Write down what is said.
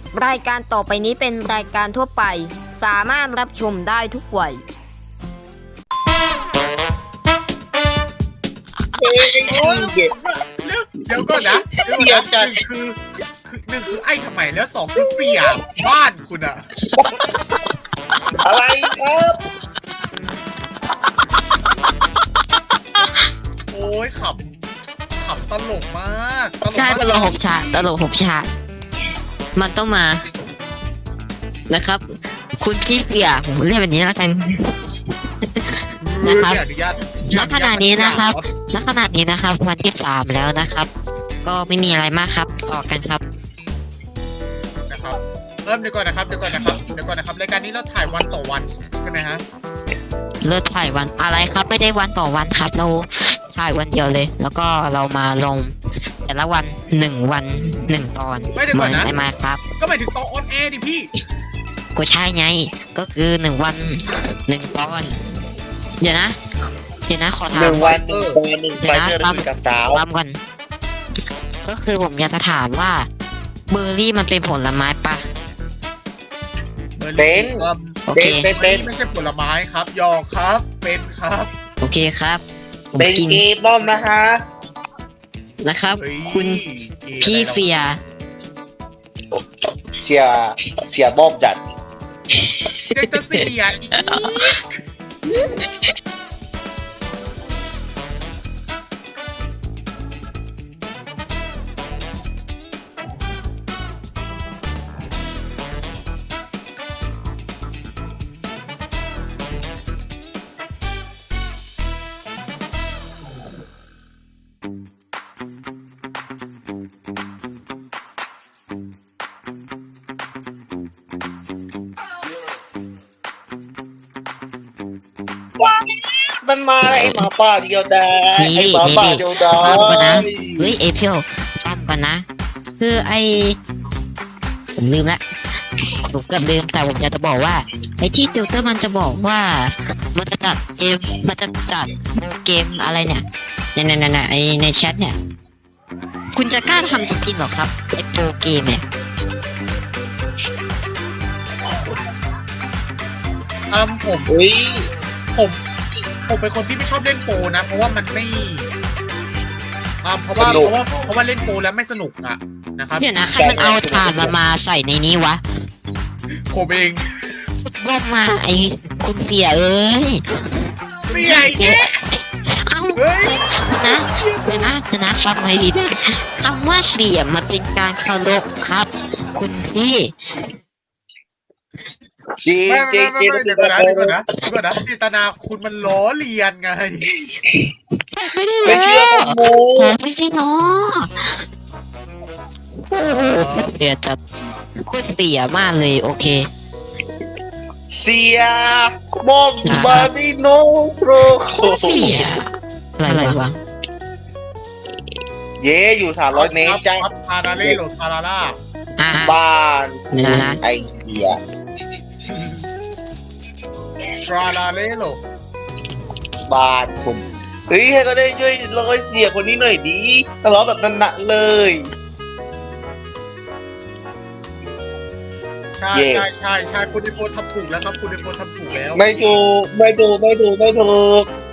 รายการต่อไปนี้เป็นรายการทั่วไปสามารถรับชมได้ทุกวัยโอ้ยเดี๋ยวก่อนนะหนึ่งคือไอ้ทำไมแล้วสองคือเสียบ้านคุณอะอะไรครับโอ้ยขำตลกมากใช่ตลก6 ฉากมันต้องมานะครับ คุณพี่เปียผมเรียกแบบนี้แล้วกัน นะครับ ณขณะนี้นะครับวันที่3แล้วนะครับ ก็ไม่มีอะไรมากครับต่อกันครับนะครับเดี๋ยวก่อนนะครับรายการนี้เราถ่ายวันต่อวันใช่ไหมฮะเลิกถ่ายวันอะไรครับไม่ได้วันต่อวันครับเราถ่ายวันเดียวเลย แล้วก็เรามาลงแต่ละวัน1 ตอนไม่เดี๋ยวก่อนนะได้ไหมครับก็หมายถึงตอนออนแอร์ดิพี่ก็ใช่ไงก็คือ1 วัน 1 ตอน เดี๋ยวนะขอถาม 1 วัน1 ตอน1 ไปเจอ1กับสาวปั๊มก่อนก็คือผมอยากจะถามว่าเบอร์รี่มันเป็นผลไม้ปะเป็นโอเคเป็นไม่ใช่ผลไม้ครับยอครับเป็นครับโอเคครับผมเป็นกินเกย์บ้อมนะฮะนะครับเฮ้ยคุณพี่เสียเสียบ้อมจัดเด็กจะเสียอีกมันมาไอ้หมาป่าเดียวดายนี่ไอ้หมาป่าเดียวดาฟังก่อนนะยเฮ้ยเอพิลฟังก่อนนะ คือผมลืมละผมเกือบลืมแต่ผมอยากจะบอกว่าไอ้ที่ติวเตอร์มันจะบอกว่ามันจะจัดเกมมันจะจัดโปรเกมอะไรเนี่ยไอในแชทเนี่ย คุณจะกล้าทำจริงๆหรอครับไอโปรเกมเนี่ยผมเฮ้ยผมเป็นคนที่ไม่ชอบเล่นโปรนะเพราะว่ามันไม่เพราะว่าเล่นโปรแล้วไม่สนุกอะนะครับเดี๋ยวนะใครมันเอาถ่านมาใส่ในนี้วะผมเองว่ามาไอคุณเสียเอ้ยเสียอีกแล้วเอ้าเฮ้ยเดี๋ยวนะฟังไว้ดีนะคำว่าเสียมันเป็นการเคารพครับ คุณพี่จริงไม่จริงจริงเดี๋ยวก่อนนะจิตนาคุณมันล้อเลียนไงไม่ได้ไม่เชื่อผมโมผมไม่ใช่เนาะโอ้โหเดี๋ยวจะคุณเสียมากเลยโอเคเสียบ้อมบาดิโนโปรโคเสียอะไรวะเย่อยู่300 เมตรจ้าครับทาราเล่โหลทาราล่าบ้านนะไอเสียทาราเล่โหลบ้านผมเฮ้ยให้ก็ได้ช่วยร้อยเสียคนนี้หน่อยดีทะเลาะแบบนั้นๆเลยใช่คุณดิโพทำถูกแล้วครับคุณดิโพทำถูกแล้วไม่ถูก